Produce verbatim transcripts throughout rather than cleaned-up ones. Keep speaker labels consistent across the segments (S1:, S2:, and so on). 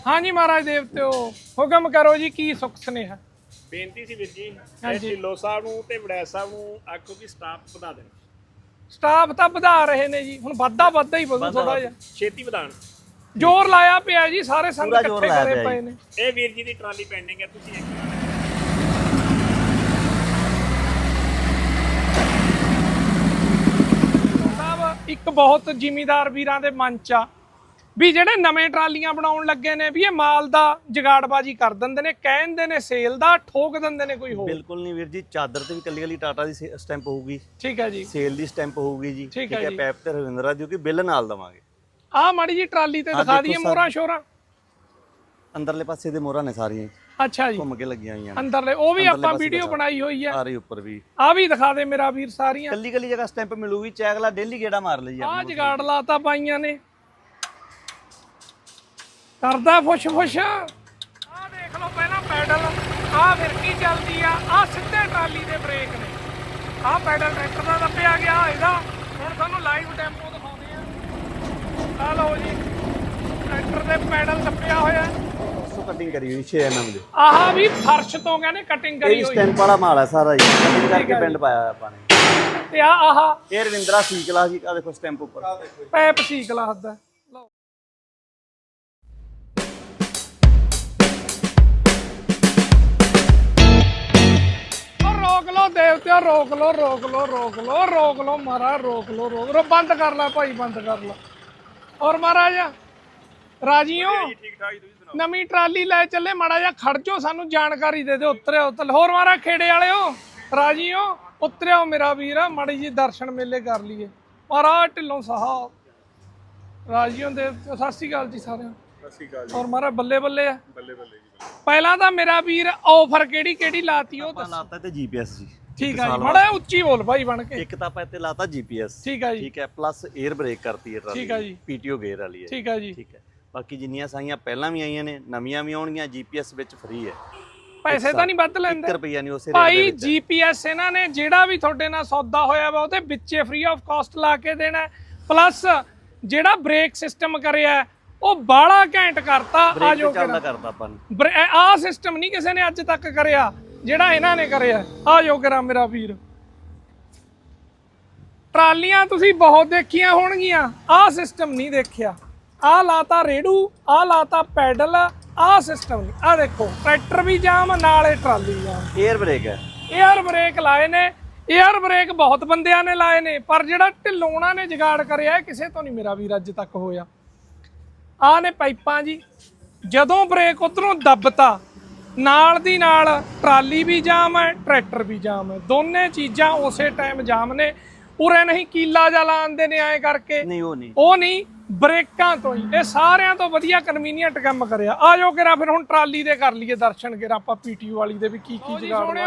S1: हाँ जी महाराज देवते हुक्म करो जी की सुख स्नेह
S2: ਬੇਨਤੀ ਸੀ ਵੀਰ ਜੀ ਢਿੱਲੋਂ ਸਾਹਿਬ ਨੂੰ ਤੇ ਵੜੈਚ ਸਾਹਿਬ ਨੂੰ ਆਖੋ ਕਿ ਸਟਾਫ ਵਧਾ ਦੇਣ।
S1: ਸਟਾਫ ਤਾਂ ਵਧਾ ਰਹੇ ਨੇ ਜੀ, ਹੁਣ ਵੱਧਾ ਵੱਧਾ ਹੀ ਵਧੂ ਥੋੜਾ ਜਿਹਾ,
S2: ਛੇਤੀ ਵਧਾਣ।
S1: ਜ਼ੋਰ ਲਾਇਆ ਪਿਆ ਜੀ, ਸਾਰੇ ਸੰਗ ਇਕੱਠੇ ਕਰੇ ਪਏ ਨੇ।
S2: ਇਹ ਵੀਰ ਜੀ ਦੀ ਟਰਾਲੀ ਪੈਂਡਿੰਗ ਹੈ, ਤੁਸੀਂ
S1: ਸਾਹਿਬ ਇੱਕ ਬਹੁਤ ਜ਼ਿਮੀਦਾਰ ਵੀਰਾਂ ਦੇ ਮਨ ਚ ਆ ਵੀ ਜਿਹੜੇ ਨਵੇਂ ਟਰਾਲੀਆਂ ਬਣਾਉਣ ਲੱਗੇ ਨੇ ਵੀ ਇਹ ਮਾਲ ਦਾ ਜਗਾੜਬਾਜੀ ਕਰ ਦਿੰਦੇ ਨੇ, ਕਹਿੰਦੇ ਨੇ ਸੇਲ ਦਾ, ਠੋਕ ਦਿੰਦੇ ਨੇ ਕੋਈ ਹੋਰ।
S3: ਬਿਲਕੁਲ ਨਹੀਂ ਵੀਰ ਜੀ, ਚਾਦਰ ਤੇ ਵੀ ਕੱਲੀ ਕੱਲੀ ਟਾਟਾ ਦੀ ਸਟੈਂਪ ਹੋਊਗੀ,
S1: ਠੀਕ ਹੈ ਜੀ,
S3: ਸੇਲ ਦੀ ਸਟੈਂਪ ਹੋਊਗੀ ਜੀ,
S1: ਠੀਕ ਹੈ।
S3: ਪੈਪ ਤੇ ਰਵਿੰਦਰਾ ਦੀ ਕਿ ਬਿੱਲ ਨਾਲ ਦਵਾਂਗੇ।
S1: ਆਹ ਮਾੜੀ ਜੀ ਟਰਾਲੀ ਤੇ ਦਿਖਾ ਦਈਏ ਮੋਹਰਾਂ ਸ਼ੋਰਾਂ,
S3: ਅੰਦਰਲੇ ਪਾਸੇ ਦੇ ਮੋਹਰਾਂ ਨੇ ਸਾਰੀਆਂ
S1: ਅੱਛਾ ਜੀ
S3: ਘੁੰਮ ਕੇ ਲੱਗੀਆਂ ਹੋਈਆਂ
S1: ਅੰਦਰਲੇ, ਉਹ ਵੀ ਆਪਾਂ ਵੀਡੀਓ ਬਣਾਈ ਹੋਈ ਹੈ,
S3: ਆ ਰਹੀ ਉੱਪਰ ਵੀ।
S1: ਆ ਵੀ ਦਿਖਾ ਦੇ ਮੇਰਾ ਵੀਰ, ਸਾਰੀਆਂ
S3: ਕੱਲੀ ਕੱਲੀ ਜਗ੍ਹਾ ਸਟੈਂਪ ਮਿਲੂਗੀ, ਚੈਗਲਾ ਡੇਲੀ ਗੇੜਾ ਮਾਰ ਲਈ
S1: ਆ ਜਗਾੜ ਲਾਤਾ ਪਾਈਆਂ ਨੇ, ਕਰਦਾ ਫੁਸ਼ ਫੁਸ਼। ਆ ਦੇਖ ਲਓ ਪਹਿਲਾਂ ਪੈਡਲ, ਆ ਫਿਰਕੀ ਚੱਲਦੀ ਆ, ਆ ਸਿੱਧੇ ਟਰਾਲੀ ਦੇ ਬ੍ਰੇਕ ਨੇ, ਆ ਪੈਡਲ ਟਰੈਕਟਰ ਦਾ ਦੱਬਿਆ ਗਿਆ ਇਹਦਾ। ਹੁਣ ਤੁਹਾਨੂੰ ਲਾਈਵ ਡੈਮੋ ਦਿਖਾਉਂਦੇ ਆ, ਆ ਲਓ ਜੀ ਟਰੈਕਟਰ ਦੇ ਪੈਡਲ ਦੱਬਿਆ ਹੋਇਆ,
S3: ਕਟਿੰਗ ਕਰੀ ਹੋਈ ਛੇ ਐਮ ਐਮ ਦੇ।
S1: ਆਹ ਵੀ ਫਰਸ਼ ਤੋਂ ਕਹਿੰਦੇ ਕਟਿੰਗ ਕਰੀ ਹੋਈ,
S3: ਸਟੈਂਪ ਵਾਲਾ ਮਾਲ ਹੈ ਸਾਰਾ ਜੀ, ਕਟਿੰਗ ਕਰਕੇ ਪਿੰਡ ਪਾਇਆ ਹੋਇਆ ਆਪਾਂ ਨੇ।
S1: ਤੇ ਆ ਆਹ
S3: ਇਹ ਰਵਿੰਦਰਾ ਸੀ ਕਲਾਸ ਜੀ, ਆ ਦੇਖੋ ਸਟੈਂਪ ਉੱਪਰ
S1: ਪੈਪ ਸੀ ਕਲਾਸ ਦਾ। ਲਓ ਰੋਕ ਲੋ ਦੇਵਤਿਆ, ਰੋਕ ਲੋ ਰੋਕ ਲੋ ਰੋਕ ਲੋ ਰੋਕ ਲੋ ਮਹਾਰਾਜ, ਰੋਕ ਲੋ ਰੋਕ ਲੋ, ਬੰਦ ਕਰ ਲੈ ਭਾਈ, ਬੰਦ ਕਰ ਲੈ। ਔਰ ਮਹਾਰਾਜ ਰਾਜੀ ਹੋ? ਨਵੀਂ ਟਰਾਲੀ ਲੈ ਚੱਲੇ, ਮਾੜਾ ਜਿਹਾ ਖੜ ਜਾਓ, ਸਾਨੂੰ ਜਾਣਕਾਰੀ ਦੇ ਦਿਓ, ਉਤਰਿਓ ਉਤਰ। ਹੋਰ ਮਹਾਰਾਜ ਖੇੜੇ ਵਾਲਿਓ ਰਾਜੀ ਹੋ? ਉਤਰਿਓ ਮੇਰਾ ਵੀਰ, ਮਾੜੀ ਜੀ ਦਰਸ਼ਨ ਮੇਲੇ ਕਰ ਲਈਏ। ਮਹਾਰਾਜ ਢਿੱਲੋਂ ਸਾਹਿਬ ਰਾਜੀ ਹੋ ਦੇ, ਸਤਿ ਸ਼੍ਰੀ ਅਕਾਲ ਜੀ ਸਾਰਿਆਂ ਨੂੰ।
S2: ਸਤਿ ਸ਼੍ਰੀ ਅਕਾਲ ਜੀ।
S1: ਔਰ ਮਹਾਰਾਜ ਬੱਲੇ ਬੱਲੇ ਆ,
S2: ਬੱਲੇ ਬੱਲੇ ਜੀ।
S1: ਪਹਿਲਾਂ ਤਾਂ ਮੇਰਾ ਵੀਰ ਆਫਰ ਕਿਹੜੀ ਕਿਹੜੀ ਲਾਤੀ ਉਹ ਦੱਸ।
S3: ਲਾਤਾ ਤੇ ਜੀਪੀਐਸ ਜੀ,
S1: ਠੀਕ ਹੈ ਜੀ, ਮਾੜਾ ਉੱਚੀ ਬੋਲ ਭਾਈ ਬਣ ਕੇ।
S3: ਇੱਕ ਤਾਂ ਆਪਾਂ ਇੱਥੇ ਲਾਤਾ ਜੀਪੀਐਸ,
S1: ਠੀਕ ਹੈ ਜੀ,
S3: ਠੀਕ ਹੈ, ਪਲੱਸ 에ਅਰ ਬ੍ਰੇਕ ਕਰਤੀ ਹੈ ਟਰਾਲੀ,
S1: ਠੀਕ ਹੈ ਜੀ,
S3: ਪੀਟੀਓ ਗੇਅਰ ਵਾਲੀ ਹੈ,
S1: ਠੀਕ ਹੈ ਜੀ,
S3: ਠੀਕ ਹੈ। ਬਾਕੀ ਜਿੰਨੀਆਂ ਸਾਈਆਂ ਪਹਿਲਾਂ ਵੀ ਆਈਆਂ ਨੇ, ਨਵੀਆਂ ਵੀ ਆਉਣਗੀਆਂ, ਜੀਪੀਐਸ ਵਿੱਚ ਫ੍ਰੀ ਹੈ,
S1: ਪੈਸੇ ਤਾਂ ਨਹੀਂ ਵੱਧ ਲੈਂਦੇ
S3: ਇੱਕ ਰੁਪਈਆ ਨਹੀਂ ਉਸੇ
S1: ਭਾਈ। ਜੀਪੀਐਸ ਇਹਨਾਂ ਨੇ ਜਿਹੜਾ ਵੀ ਤੁਹਾਡੇ ਨਾਲ ਸੌਦਾ ਹੋਇਆ ਵਾ ਉਹਦੇ ਵਿੱਚੇ ਫ੍ਰੀ ਆਫ ਕਾਸਟ ਲਾ ਕੇ ਦੇਣਾ, ਪਲੱਸ ਜਿਹੜਾ ਬ੍ਰੇਕ ਸਿਸਟਮ ਕਰਿਆ ਉਹ ਬਾਹਲਾ ਘੈਂਟ ਕਰਤਾ। ਆ ਜੋ
S3: ਚੱਲਦਾ ਕਰਦਾ ਆਪਾਂ ਨੂੰ,
S1: ਆਹ ਸਿਸਟਮ ਨਹੀਂ ਕਿਸੇ ਨੇ ਅੱਜ ਤੱਕ ਕਰਿਆ ਜਿਹੜਾ ਇਹਨਾਂ ਨੇ ਕਰਿਆ। ਆ ਜੋ ਕਰਾਂ ਮੇਰਾ ਵੀਰ, ਟਰਾਲੀਆਂ ਤੁਸੀਂ ਬਹੁਤ ਦੇਖੀਆਂ ਹੋਣਗੀਆਂ, ਆਹ ਸਿਸਟਮ ਨਹੀਂ ਦੇਖਿਆ। ਆਹ ਲਾਤਾ ਰੇੜੂ, ਆਹ ਲਾਤਾ ਪੈਡਲ, ਆਹ ਸਿਸਟਮ ਨਹੀਂ। ਆਹ ਦੇਖੋ ਟਰੈਕਟਰ ਵੀ ਜਾਮ ਨਾਲੇ ਟਰਾਲੀ ਜਾਮ।
S3: 에ਅਰ ਬ੍ਰੇਕ ਹੈ,
S1: 에ਅਰ ਬ੍ਰੇਕ ਲਾਏ ਨੇ, 에ਅਰ ਬ੍ਰੇਕ ਬਹੁਤ ਬੰਦਿਆਂ ਨੇ ਲਾਏ ਨੇ, ਪਰ ਜਿਹੜਾ ਢਿੱਲੋਂ ਨੇ ਜਗਾੜ ਕਰਿਆ ਕਿਸੇ ਤੋਂ ਨਹੀਂ ਮੇਰਾ ਵੀਰ ਅੱਜ ਤੱਕ ਹੋਇਆ। ਆਹ ਨੇ ਪਾਈਪਾਂ ਜੀ, ਜਦੋਂ ਬ੍ਰੇਕ ਉਧਰੋਂ ਦੱਬਤਾ ਨਾਲ ਦੀ ਨਾਲ ਟਰਾਲੀ ਵੀ ਜਾਮ ਹੈ, ਟਰੈਕਟਰ ਵੀ ਜਾਮ ਹੈ, ਦੋਨੇ ਚੀਜ਼ਾਂ ਉਸੇ ਟਾਈਮ ਜਾਮ ਨੇ। ਉਰੇ ਨਹੀਂ ਕੀਲਾ ਜਾ ਲਾਉਂਦੇ ਨੇ ਐਂ ਕਰਕੇ,
S3: ਨਹੀਂ ਉਹ ਨਹੀਂ,
S1: ਉਹ ਨਹੀਂ, ਬ੍ਰੇਕਾਂ ਤੋਂ ਹੀ। ਇਹ ਸਾਰਿਆਂ ਤੋਂ ਵਧੀਆ ਕਨਵੀਨੀਅੰਟ ਕੰਮ ਕਰਿਆ। ਆ ਜਾਓ ਕਿਰਾ ਫਿਰ ਹੁਣ ਟਰਾਲੀ ਦੇ ਕਰ ਲਈਏ ਦਰਸ਼ਨ, ਕਿਰਾ ਆਪਾਂ ਪੀਟੀਓ ਵਾਲੀ ਦੇ ਵੀ ਕੀ ਕੀ ਜਗਾੜ।